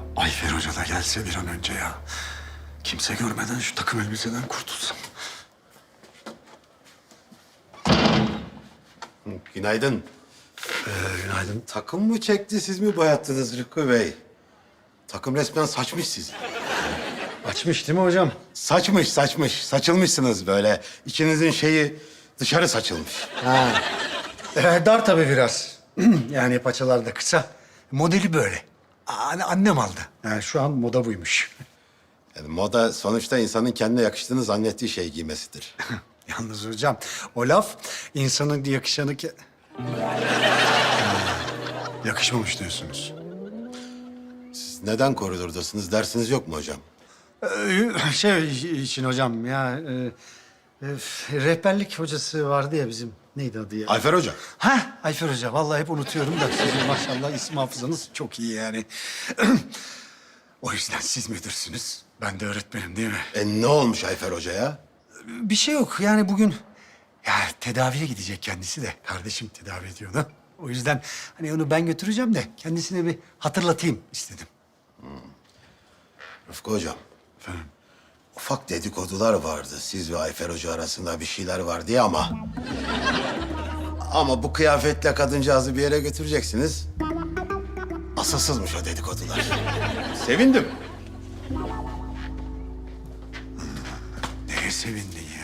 Ayfer Hoca da gelse bir an önce ya. Kimse görmeden şu takım elbiseden kurtulsam. Günaydın. Günaydın. Takım mı çekti, siz mi boyattınız Rıkkı Bey? Takım resmen saçmış sizi. Açmış değil mi hocam? Saçmış. Saçılmışsınız böyle. İçinizin şeyi dışarı saçılmış. Ha. Dar tabii biraz. Yani paçalar da kısa. Modeli böyle. Annem aldı. Yani şu an moda buymuş. Yani moda sonuçta insanın kendine yakıştığını zannettiği şey giymesidir. Yalnız hocam o laf insanın yakışanı ki... Yakışmamış diyorsunuz. Siz neden koridordasınız, dersiniz yok mu hocam? Şey için hocam ya... rehberlik hocası vardı ya bizim. Neydi adı ya? Ayfer Hoca. Ha, Ayfer Hoca. Vallahi hep unutuyorum da sizin maşallah isim hafızanız çok iyi yani. O yüzden siz müdürsünüz. Ben de öğretmenim değil mi? Ne olmuş Ayfer Hoca'ya? Bir şey yok. Yani bugün ya tedaviye gidecek kendisi de. Kardeşim tedavi ediyordu. O yüzden hani onu ben götüreceğim de kendisine bir hatırlatayım istedim. Rıfkı Hocam. Efendim? Ufak dedikodular vardı siz ve Ayfer Hoca arasında bir şeyler var diye ama... Ama bu kıyafetle kadıncağızı bir yere götüreceksiniz. Asılsızmış o dedikodular. Sevindim. Neye sevindin ya?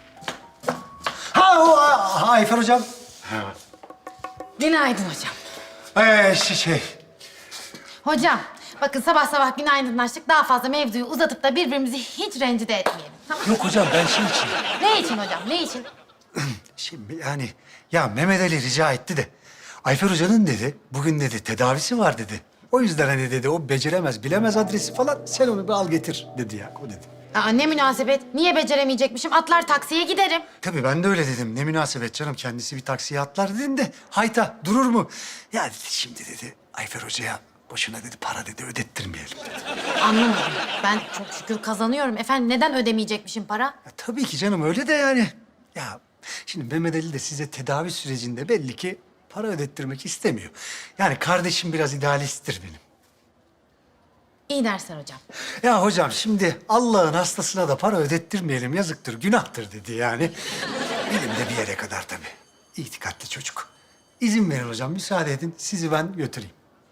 Ayfer Hocam. Günaydın hocam. Şey. Hocam, bakın sabah sabah günaydınlaştık. Daha fazla mevzuyu uzatıp da birbirimizi hiç rencide etmeyelim. Tamam mı? Yok hocam ben şey için. Ne için hocam, ne için? Şimdi yani ya Mehmet Ali rica etti de Ayfer Hoca'nın dedi bugün dedi tedavisi var dedi. O yüzden hani dedi o beceremez bilemez adresi falan sen onu bir al getir dedi ya o dedi. Aa, ne münasebet. Niye beceremeyecekmişim? Atlar taksiye giderim. Tabii ben de öyle dedim. Ne münasebet canım kendisi bir taksiye atlar dedim de hayta durur mu? Ya dedi, şimdi dedi Ayfer Hoca'ya boşuna dedi para dedi ödettirmeyelim dedi. Anlamadım. Ben çok şükür kazanıyorum. Efendim neden ödemeyecekmişim para? Ya, tabii ki canım öyle de yani. Ya şimdi Mehmet Ali de size tedavi sürecinde belli ki para ödettirmek istemiyor. Yani kardeşim biraz idealisttir benim. İyi dersler hocam. Ya hocam şimdi Allah'ın hastasına da para ödettirmeyelim yazıktır, günahtır dedi yani. Benim de bir yere kadar tabii. İtikatlı çocuk. İzin verin hocam, müsaade edin. Sizi ben götüreyim.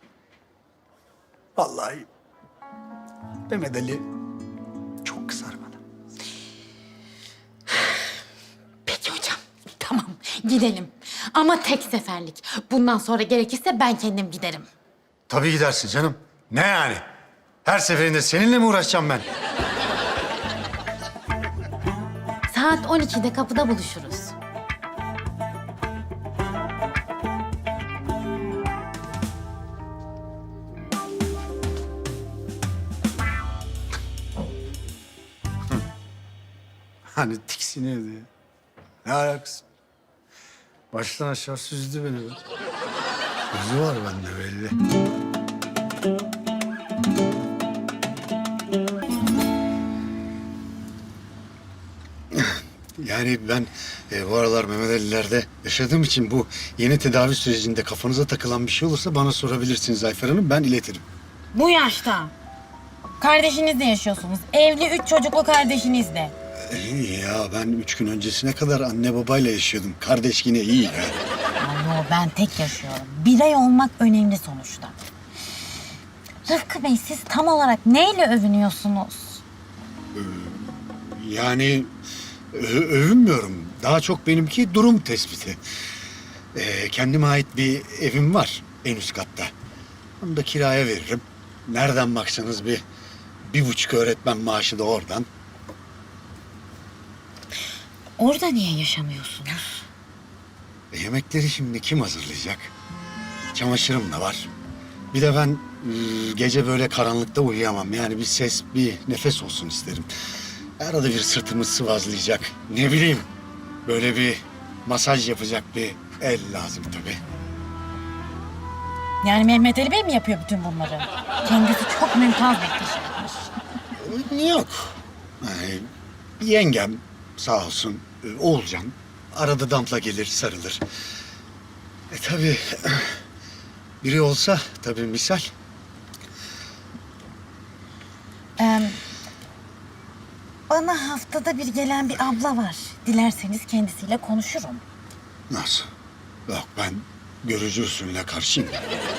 Vallahi Mehmet Ali çok kızar bana. Peki hocam. Tamam, gidelim. Ama tek seferlik. Bundan sonra gerekirse ben kendim giderim. Tabii gidersin canım. Ne yani? Her seferinde seninle mi uğraşacağım ben? Saat 12'de kapıda buluşuruz. Hani tiksiniyordu ya. Ne alakası? Baştan aşağı süzdü beni be. Gözü var bende belli. Yani ben bu aralar Mehmet Ali'lerde yaşadığım için bu yeni tedavi sürecinde kafanıza takılan bir şey olursa bana sorabilirsiniz Ayfer Hanım. Ben iletirim. Bu yaşta. Kardeşinizle yaşıyorsunuz. Evli 3 çocuklu kardeşinizle. İyi ya ben 3 gün öncesine kadar anne babayla yaşıyordum. Kardeş yine iyi ya. Yo, ben tek yaşıyorum. Birey olmak önemli sonuçta. Rıfkı Bey siz tam olarak neyle övünüyorsunuz? Yani övünmüyorum. Daha çok benimki durum tespiti. Kendime ait bir evim var en üst katta. Onu da kiraya veririm. Nereden baksanız bir buçuk öğretmen maaşı da oradan. Orada niye yaşamıyorsunuz? Yemekleri şimdi kim hazırlayacak? Çamaşırım da var. Bir de ben gece böyle karanlıkta uyuyamam. Yani bir ses, bir nefes olsun isterim. Arada bir sırtımı sıvazlayacak. Ne bileyim, böyle bir masaj yapacak bir el lazım tabii. Yani Mehmet Ali Bey mi yapıyor bütün bunları? Kendisi çok mümtaz bir kişi. Yok. Yani yengem sağ olsun, Oğulcan. Arada Damp'la gelir, sarılır. Tabii biri olsa tabii misal. Bana haftada bir gelen bir abla var. Dilerseniz kendisiyle konuşurum. Nasıl? Yok, ben görücü usulüne karşıyım.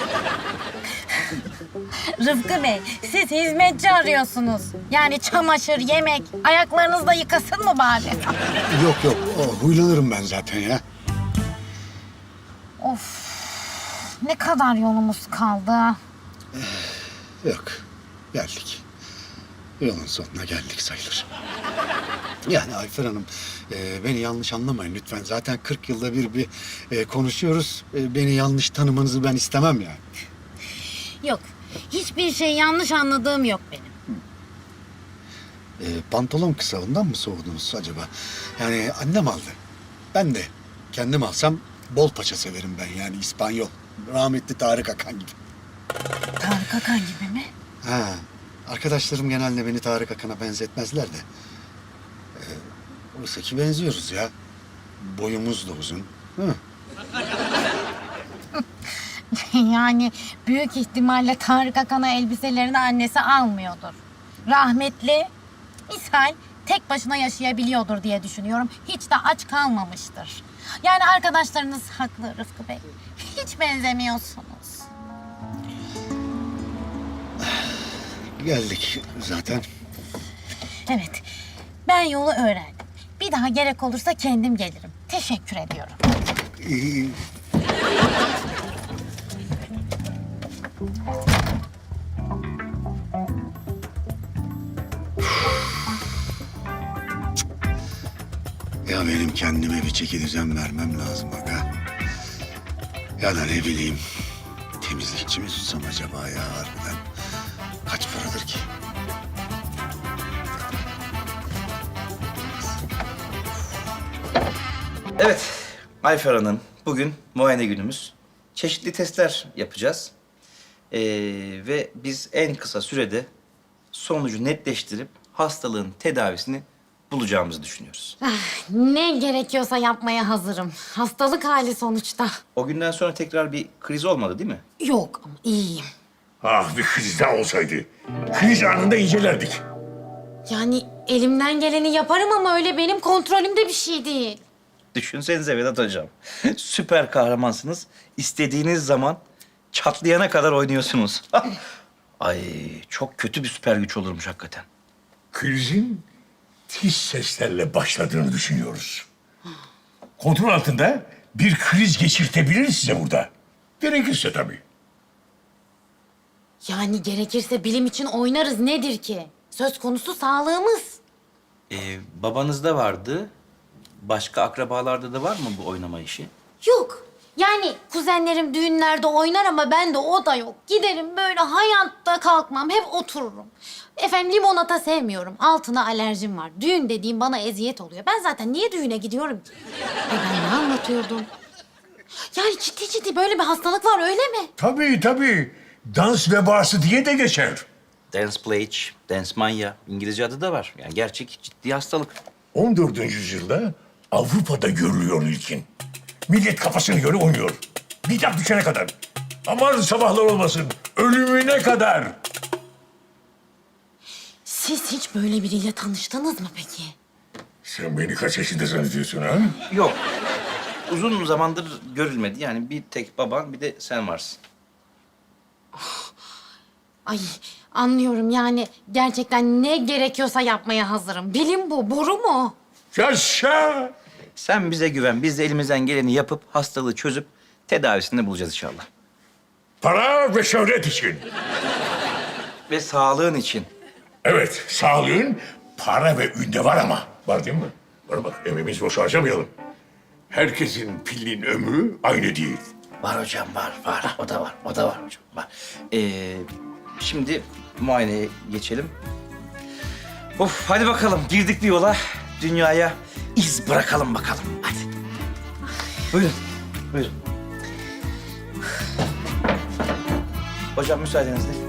Rıfkı Bey, siz hizmetçi arıyorsunuz. Yani çamaşır, yemek, ayaklarınızı da yıkasın mı bari? Yok, huylanırım ben zaten ya. Of, ne kadar yolumuz kaldı. Yok, geldik. Yolun sonuna geldik sayılır. Yani Ayfer Hanım, beni yanlış anlamayın lütfen. Zaten 40 yılda bir konuşuyoruz. Beni yanlış tanımanızı ben istemem yani. Yok, hiçbir şey yanlış anladığım yok benim. Pantolon kısalından mı soğudunuz acaba? Yani annem aldı. Ben de kendim alsam bol paça severim ben, yani İspanyol. Rahmetli Tarık Akan gibi. Tarık Akan gibi mi? Ha, arkadaşlarım genelde beni Tarık Akan'a benzetmezler de. Oysa ki benziyoruz ya. Boyumuz da uzun. Hı. Yani büyük ihtimalle Tarık Akan'a elbiselerini annesi almıyordur. Rahmetli, misal tek başına yaşayabiliyordur diye düşünüyorum. Hiç de aç kalmamıştır. Yani arkadaşlarınız haklı Rıfkı Bey. Hiç benzemiyorsunuz. Geldik zaten. Evet, ben yolu öğrendim. Bir daha gerek olursa kendim gelirim. Teşekkür ediyorum. İyi. Ya benim kendime bir çeki düzen vermem lazım aga. Ya da ne bileyim, temizlikçi mi tutsam acaba ya harbiden? Kaç paradır ki? Evet, Ayfer Hanım, bugün muayene günümüz. Çeşitli testler yapacağız. Ve biz en kısa sürede sonucu netleştirip hastalığın tedavisini bulacağımızı düşünüyoruz. Ne gerekiyorsa yapmaya hazırım. Hastalık hali sonuçta. O günden sonra tekrar bir kriz olmadı değil mi? Yok ama iyiyim. Ah, bir kriz daha olsaydı. Kriz anında incelerdik. Yani elimden geleni yaparım ama öyle benim kontrolümde bir şey değil. Düşünsenize Vedat Hocam. Süper kahramansınız. İstediğiniz zaman çatlayana kadar oynuyorsunuz. Ay, çok kötü bir süper güç olurmuş hakikaten. Krizin tiz seslerle başladığını düşünüyoruz. Kontrol altında bir kriz geçirtebiliriz size burada. Gerekirse tabii. Yani gerekirse bilim için oynarız nedir ki? Söz konusu sağlığımız. Babanızda vardı. Başka akrabalarda da var mı bu oynama işi? Yok. Yani kuzenlerim düğünlerde oynar ama ben de o da yok. Giderim böyle hayatta kalkmam, hep otururum. Efendim limonata sevmiyorum, altına alerjim var. Düğün dediğim bana eziyet oluyor. Ben zaten niye düğüne gidiyorum ki? Ben ne anlatıyordum? Yani ciddi ciddi böyle bir hastalık var öyle mi? Tabii. Dans vebası diye de geçer. Dance plague, dance mania. İngilizce adı da var. Yani gerçek ciddi hastalık. 14. yüzyılda Avrupa'da görülüyor ilkin. Millet kafasına göre oynuyor. Bir dakika düşene kadar. Aman sabahlar olmasın. Ölümüne kadar. Siz hiç böyle biriyle tanıştınız mı peki? Sen beni kaç yaşında zannediyorsun ha? Yok. Uzun zamandır görülmedi. Yani bir tek baban bir de sen varsın. Ay anlıyorum yani gerçekten ne gerekiyorsa yapmaya hazırım. Bilim bu, boru mu? Yaşa! Sen bize güven. Biz de elimizden geleni yapıp hastalığı çözüp tedavisini bulacağız inşallah. Para ve şöhret için. Ve sağlığın için. Evet, sağlığın para ve ünde var ama. Var değil mi? Bana bak, emeğimizi boşa harcamayalım. Herkesin pilinin ömrü aynı değil. Var hocam, var. O da var hocam, var. Şimdi muayeneye geçelim. Of, hadi bakalım. Girdik bir yola. Dünyaya iz bırakalım bakalım. Hadi. Buyurun. Hocam müsaadenizle.